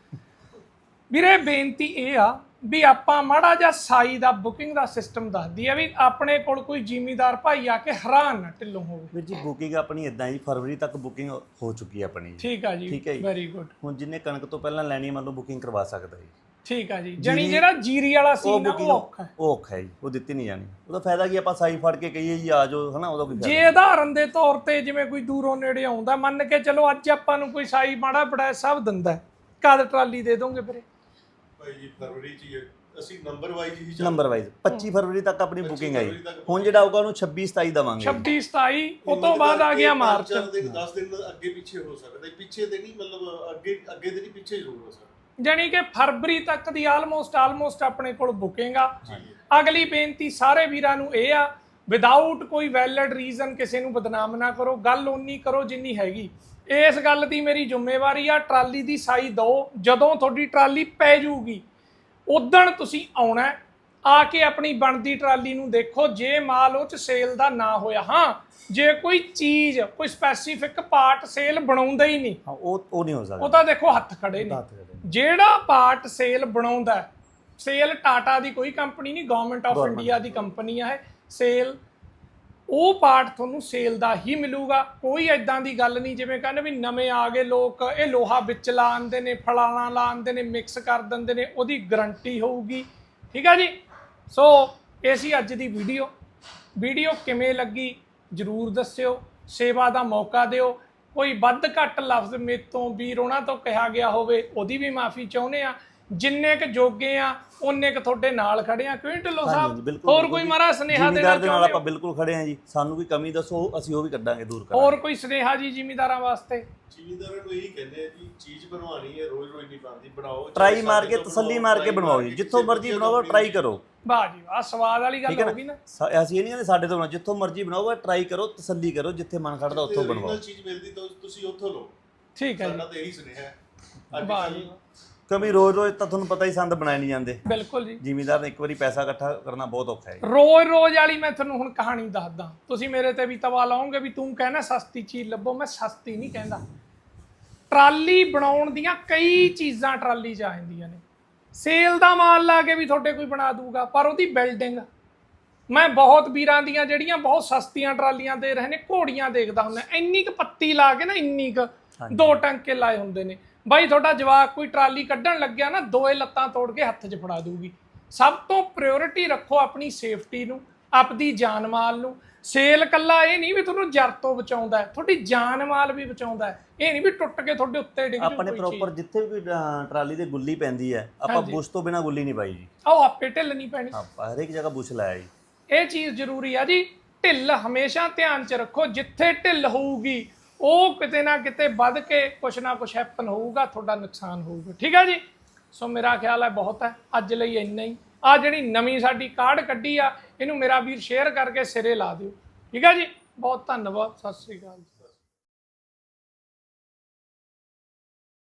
S1: ਵੀਰੇ ਬੇਨਤੀ ਇਹ ਆ ਵੀ ਆਪਾਂ ਮਾੜਾ ਜਿਹਾ ਸਾਈ ਦਾ ਬੁਕਿੰਗ ਦਾ ਸਿਸਟਮ ਦੱਸਦੀ ਆ, ਵੀ ਆਪਣੇ ਕੋਲ ਕੋਈ ਜ਼ਿਮੀਦਾਰ ਭਾਈ ਆ ਕੇ ਹੈਰਾਨ ਨਾ ਢਿੱਲੋਂ ਹੋਵੇ।
S3: ਵੀਰ ਜੀ ਬੁਕਿੰਗ ਆਪਣੀ ਇਦਾਂ ਜੀ, ਫਰਵਰੀ ਤੱਕ ਬੁਕਿੰਗ ਹੋ ਚੁੱਕੀ ਹੈ ਆਪਣੀ।
S1: ਠੀਕ ਆ ਜੀ,
S3: ਠੀਕ ਹੈ ਜੀ।
S1: Very good.
S3: ਹੁਣ ਜਿੰਨੇ ਕਣਕ ਤੋਂ ਪਹਿਲਾਂ ਲੈਣੀ ਮੰਨ ਲਓ ਬੁਕਿੰਗ ਕਰਵਾ ਸਕਦਾ ਜੀ।
S1: ਠੀਕ ਆ ਜੀ, ਜਣੀ ਜਿਹੜਾ ਜੀਰੀ ਵਾਲਾ ਸੀਨ ਆ ਉਹ ਔਖਾ,
S3: ਉਹ ਔਖਾ ਹੈ ਜੀ, ਉਹ ਦਿੱਤੀ ਨਹੀਂ ਜਾਣੀ। ਉਹਦਾ ਫਾਇਦਾ ਕੀ, ਆਪਾਂ ਸਾਈ ਫੜ ਕੇ ਕਹੀਏ ਜੀ ਆ ਜਾਓ, ਹਨਾ, ਉਹਦਾ ਕੋਈ ਫਾਇਦਾ।
S1: ਜੇ ਉਦਾਹਰਨ ਦੇ ਤੌਰ ਤੇ ਜਿਵੇਂ ਕੋਈ ਦੂਰੋਂ ਨੇੜੇ ਆਉਂਦਾ, ਮੰਨ ਕੇ ਚਲੋ ਅੱਜ ਆਪਾਂ ਨੂੰ ਕੋਈ ਸਾਈ ਮਾੜਾ ਬੜਾ ਸਭ ਦਿੰਦਾ, ਕਦ ਟਰਾਲੀ ਦੇ ਦੋਗੇ ਵੀਰੇ?
S4: ਭਾਈ ਜੀ ਫਰਵਰੀ ਚ ਹੀ ਅਸੀਂ ਨੰਬਰ ਵਾਈਜ਼ ਹੀ ਚੱਲ
S3: ਨੰਬਰ ਵਾਈਜ਼ ਪੱਚੀ ਫਰਵਰੀ ਤੱਕ ਆਪਣੀ ਬੁਕਿੰਗ ਹੈ ਜੀ। ਹੁਣ ਜਿਹੜਾ ਆਊਗਾ ਉਹਨੂੰ ਛੱਬੀ ਸਤਾਈ ਦਵਾਂਗੇ।
S1: ਛੱਬੀ ਸਤਾਈ ਉਹ ਤੋਂ ਬਾਅਦ ਆ ਗਿਆ ਮਾਰਚ।
S4: ਦਸ ਦਿਨ ਅੱਗੇ ਪਿੱਛੇ ਹੋ ਸਕਦਾ, ਪਿੱਛੇ ਤੇ ਨਹੀਂ, ਮਤਲਬ ਅੱਗੇ ਅੱਗੇ ਤੇ ਨਹੀਂ, ਪਿੱਛੇ ਜ਼ਰੂਰ ਹੋ ਸਕਦਾ।
S1: ਜਾਨੀ ਕਿ ਫਰਵਰੀ ਤੱਕ ਦੀ ਆਲਮੋਸਟ ਆਲਮੋਸਟ ਆਪਣੇ ਕੋਲ ਬੁਕਿੰਗ ਆ। ਅਗਲੀ ਬੇਨਤੀ ਸਾਰੇ ਵੀਰਾਂ ਨੂੰ ਇਹ ਆ, ਵਿਦਆਊਟ ਕੋਈ ਵੈਲਿਡ ਰੀਜ਼ਨ ਕਿਸੇ ਨੂੰ ਬਦਨਾਮ ਨਾ ਕਰੋ, ਗੱਲ ਓਨੀ ਕਰੋ ਜਿੰਨੀ ਹੈਗੀ। ਇਸ ਗੱਲ ਦੀ ਮੇਰੀ ਜ਼ਿੰਮੇਵਾਰੀ ਆ, ਟਰਾਲੀ ਦੀ ਸਾਈ ਦਿਓ। ਜਦੋਂ ਤੁਹਾਡੀ ਟਰਾਲੀ ਪੈ ਜੂਗੀ ਉਦਣ ਤੁਸੀਂ ਆਉਣਾ, ਆ ਕੇ ਆਪਣੀ ਬਣਦੀ ਟਰਾਲੀ ਨੂੰ ਦੇਖੋ। ਜੇ ਮਾਲ ਉਹ ਚ ਸੇਲ ਦਾ ਨਾ ਹੋਇਆ, ਹਾਂ ਜੇ ਕੋਈ ਚੀਜ਼ ਕੋਈ ਸਪੈਸੀਫਿਕ ਪਾਰਟ ਸੇਲ ਬਣਾਉਂਦਾ ਹੀ ਨਹੀਂ,
S3: ਹਾਂ ਉਹ ਉਹ ਨਹੀਂ ਹੋ ਸਕਦਾ।
S1: ਉਹ ਤਾਂ ਦੇਖੋ ਹੱਥ ਖੜੇ ਨੇ। ਜਿਹੜਾ ਪਾਰਟ ਸੇਲ ਬਣਾਉਂਦਾ, ਸੇਲ ਟਾਟਾ ਦੀ ਕੋਈ ਕੰਪਨੀ ਨਹੀਂ, ਗਵਰਨਮੈਂਟ ਆਫ ਇੰਡੀਆ ਦੀ ਕੰਪਨੀ ਆ ਇਹ ਸੇਲ, ਉਹ ਪਾਰਟ ਤੁਹਾਨੂੰ ਸੇਲ ਦਾ ਹੀ ਮਿਲੂਗਾ। ਕੋਈ ਐਦਾਂ ਦੀ ਗੱਲ ਨਹੀਂ ਜਿਵੇਂ ਕਹਿੰਦੇ ਵੀ ਨਵੇਂ ਆ ਗਏ ਲੋਕ, ਇਹ ਲੋਹਾ ਵਿੱਚ ਲਾ ਆਂਦੇ ਨੇ, ਫਲਾਣਾ ਲਾ ਆਂਦੇ ਨੇ, ਮਿਕਸ ਕਰ ਦਿੰਦੇ ਨੇ, ਉਹਦੀ ਗਰੰਟੀ ਹੋਊਗੀ। ਠੀਕ ਆ ਜੀ। ਸੋ ਇਹ ਸੀ ਅੱਜ ਦੀ ਵੀਡੀਓ। ਵੀਡੀਓ ਕਿਵੇਂ ਲੱਗੀ ਜ਼ਰੂਰ ਦੱਸਿਓ, ਸੇਵਾ ਦਾ ਮੌਕਾ ਦਿਓ। ਕੋਈ ਵੱਧ ਘੱਟ ਲਫ਼ਜ਼ ਮੇਰੇ ਤੋਂ ਵੀਰ ਉਹਨਾਂ ਤੋਂ ਕਿਹਾ ਗਿਆ ਹੋਵੇ ਉਹਦੀ ਵੀ ਮਾਫੀ ਚਾਹੁੰਦੇ ਆ। ਜਿੰਨੇ ਕ ਜੋਗੇ ਆ ਉਹਨੇ ਕ ਤੁਹਾਡੇ ਨਾਲ ਖੜੇ ਆ। ਕਿਉਂ ਢਿੱਲੋਂ ਸਾਹਿਬ, ਹੋਰ ਕੋਈ ਮਾਰਾ ਸੁਨੇਹਾ ਦੇਣਾ
S3: ਜ਼ਿਮੀਦਾਰ ਦੇ ਨਾਲ
S1: ਚਾਹੁੰਦੇ
S3: ਆਪਾਂ
S1: ਹੋ?
S3: ਬਿਲਕੁਲ ਖੜੇ ਆ ਜੀ। ਸਾਨੂੰ ਕੋਈ ਕਮੀ ਦੱਸੋ, ਅਸੀਂ ਉਹ ਵੀ ਕੱਢਾਂਗੇ, ਦੂਰ ਕਰਾਂਗੇ।
S1: ਹੋਰ ਕੋਈ ਸੁਨੇਹਾ ਜੀ ਜ਼ਿਮੀਦਾਰਾਂ ਵਾਸਤੇ?
S4: ਜ਼ਿਮੀਦਾਰਾਂ ਨੂੰ ਇਹੀ ਕਹਿੰਦੇ ਆ ਜੀ, ਚੀਜ਼ ਬਣਵਾਉਣੀ ਹੈ, ਰੋਜ਼ ਰੋਜ਼ ਨਹੀਂ ਬਣਦੀ, ਬਣਾਓ,
S3: ਟਰਾਈ ਮਾਰ ਕੇ, ਤਸੱਲੀ ਮਾਰ ਕੇ ਬਣਵਾਓ ਜੀ। ਜਿੱਥੋਂ ਮਰਜ਼ੀ ਬਣਾਓ, ਟਰਾਈ ਕਰੋ।
S1: ਵਾਹ ਜੀ ਵਾਹ, ਸਵਾਦ ਵਾਲੀ ਗੱਲ ਹੋ ਗਈ ਨਾ।
S3: ਅਸੀਂ ਇਹ ਨਹੀਂ ਕਹਿੰਦੇ ਸਾਡੇ ਤੋਂ ਬਣਾਓ, ਜਿੱਥੋਂ ਮਰਜ਼ੀ ਬਣਾਓ, ਟਰਾਈ ਕਰੋ, ਤਸੱਲੀ ਕਰੋ, ਜਿੱਥੇ ਮਨ ਖੜਦਾ ਉੱਥੋਂ ਬਣਵਾਓ।
S4: ਚੀਜ਼ ਮਿਲਦੀ ਤਾਂ ਤੁਸੀਂ ਉੱਥੋਂ ਲਓ।
S1: ਠੀਕ ਹੈ ਜੀ,
S4: ਸਾਡਾ ਤਾਂ ਇਹੀ ਸੁਨੇਹਾ ਹੈ।
S1: ਵਾਹ ਜੀ,
S3: ਕਿਉਂਕਿ ਰੋਜ਼ ਰੋਜ਼ ਤਾਂ ਤੁਹਾਨੂੰ ਪਤਾ ਹੀ ਸੰਦ ਬਣਾਏ ਨਹੀਂ ਜਾਂਦੇ।
S1: ਬਿਲਕੁਲ ਜੀ।
S3: ਜ਼ਿਮੀਦਾਰ ਨੇ ਇੱਕ ਵਾਰੀ ਪੈਸਾ ਇਕੱਠਾ ਕਰਨਾ ਬਹੁਤ ਔਖਾ ਹੈ।
S1: ਰੋਜ਼ ਰੋਜ਼ ਵਾਲੀ ਮੈਂ ਤੁਹਾਨੂੰ ਹੁਣ ਕਹਾਣੀ ਦੱਸਦਾ, ਤੁਸੀਂ ਮੇਰੇ ਤੇ ਵੀ ਤਵਾ ਲਾਓਗੇ ਵੀ ਤੂੰ ਕਹਿੰਦਾ ਸਸਤੀ ਚੀਜ਼ ਲੱਭੋ। ਮੈਂ ਸਸਤੀ ਨਹੀਂ ਕਹਿੰਦਾ। ਟਰਾਲੀ ਬਣਾਉਣ ਦੀਆਂ ਕਈ ਚੀਜ਼ਾਂ ਟਰਾਲੀ 'ਚ ਆ ਜਾਂਦੀਆਂ ਨੇ। ਸੇਲ ਦਾ ਮਾਲ ਲਾ ਕੇ ਵੀ ਤੁਹਾਡੇ ਕੋਈ ਬਣਾ ਦੂਗਾ, ਪਰ ਉਹਦੀ ਬਿਲਡਿੰਗ, ਮੈਂ ਬਹੁਤ ਵੀਰਾਂ ਦੀਆਂ ਜਿਹੜੀਆਂ ਬਹੁਤ ਸਸਤੀਆਂ ਟਰਾਲੀਆਂ ਦੇ ਰਹੇ ਨੇ, ਘੋੜੀਆਂ ਦੇਖਦਾ ਹੁੰਦਾ, ਇੰਨੀ ਕੁ ਪੱਤੀ ਲਾ ਕੇ ਨਾ, ਇੰਨੀ ਕੁ ਦੋ ਟੰਕੇ ਲਾਏ ਹੁੰਦੇ ਨੇ। ਬਾਈ ਤੁਹਾਡਾ ਜਵਾਕ ਕੋਈ ਟਰਾਲੀ ਕੱਢਣ ਲੱਗਿਆ ਨਾ, ਦੋਏ ਲੱਤਾਂ ਤੋੜ ਕੇ ਹੱਥ 'ਚ ਫੜਾ ਦੂਗੀ। ਸਭ ਤੋਂ ਪ੍ਰਾਇੋਰਟੀ ਰੱਖੋ ਆਪਣੀ ਸੇਫਟੀ ਨੂੰ। ਆਪਦੀ ਜਾਨ ਮਾਲ ਨੂੰ। ਸੇਲ ਕੱਲਾ ਇਹ ਨਹੀਂ ਵੀ ਤੁਹਾਨੂੰ ਜਰ ਤੋਂ ਬਚਾਉਂਦਾ ਹੈ, ਤੁਹਾਡੀ ਜਾਨ ਮਾਲ ਵੀ ਬਚਾਉਂਦਾ ਹੈ। ਇਹ ਨਹੀਂ ਵੀ ਟੁੱਟ ਕੇ ਤੁਹਾਡੇ ਉੱਤੇ ਡਿੱਗ ਜੂ
S3: ਆਪਣੇ ਪ੍ਰੋਪਰ ਜਿੱਥੇ ਵੀ ਅਹ, ਟਰਾਲੀ ਤੇ ਗੁੱਲੀ ਪੈਂਦੀ ਹੈ ਆਪਾਂ ਬੁਸ਼ ਤੋਂ ਬਿਨਾ ਗੁੱਲੀ ਨਹੀਂ ਪਾਈ ਜੀ,
S1: ਆਓ ਆਪੇ ਢਿੱਲ ਨਹੀਂ ਪੈਣੀ।
S3: ਆਪਾਂ ਹਰੇਕ ਜਗ੍ਹਾ ਬੁਸ਼ ਲਾਇਆ ਜੀ।
S1: ਇਹ ਚੀਜ਼ ਜ਼ਰੂਰੀ ਆ ਜੀ। ਢਿੱਲ ਹਮੇਸ਼ਾ ਧਿਆਨ 'ਚ ਰੱਖੋ, ਜਿੱਥੇ ਢਿੱਲ ਹੋਊਗੀ ਉਹ ਕਿਤੇ ਨਾ ਕਿਤੇ ਵੱਧ ਕੇ ਕੁਛ ਨਾ ਕੁਛ ਹੈਪਨ ਹੋਊਗਾ, ਤੁਹਾਡਾ ਨੁਕਸਾਨ ਹੋਊਗਾ। ਠੀਕ ਹੈ ਜੀ। ਸੋ ਮੇਰਾ ਖਿਆਲ ਹੈ ਬਹੁਤ ਹੈ ਅੱਜ ਲਈ ਇੰਨਾ ਹੀ। ਆ ਜਿਹੜੀ ਨਵੀਂ ਸਾਡੀ ਕਾਰਡ ਕੱਢੀ ਆ ਇਹਨੂੰ ਮੇਰਾ ਵੀਰ ਸ਼ੇਅਰ ਕਰਕੇ ਸਿਰੇ ਲਾ ਦਿਓ। ਠੀਕ ਹੈ ਜੀ। ਬਹੁਤ ਧੰਨਵਾਦ। ਸਤਿ ਸ੍ਰੀ ਅਕਾਲ ਜੀ।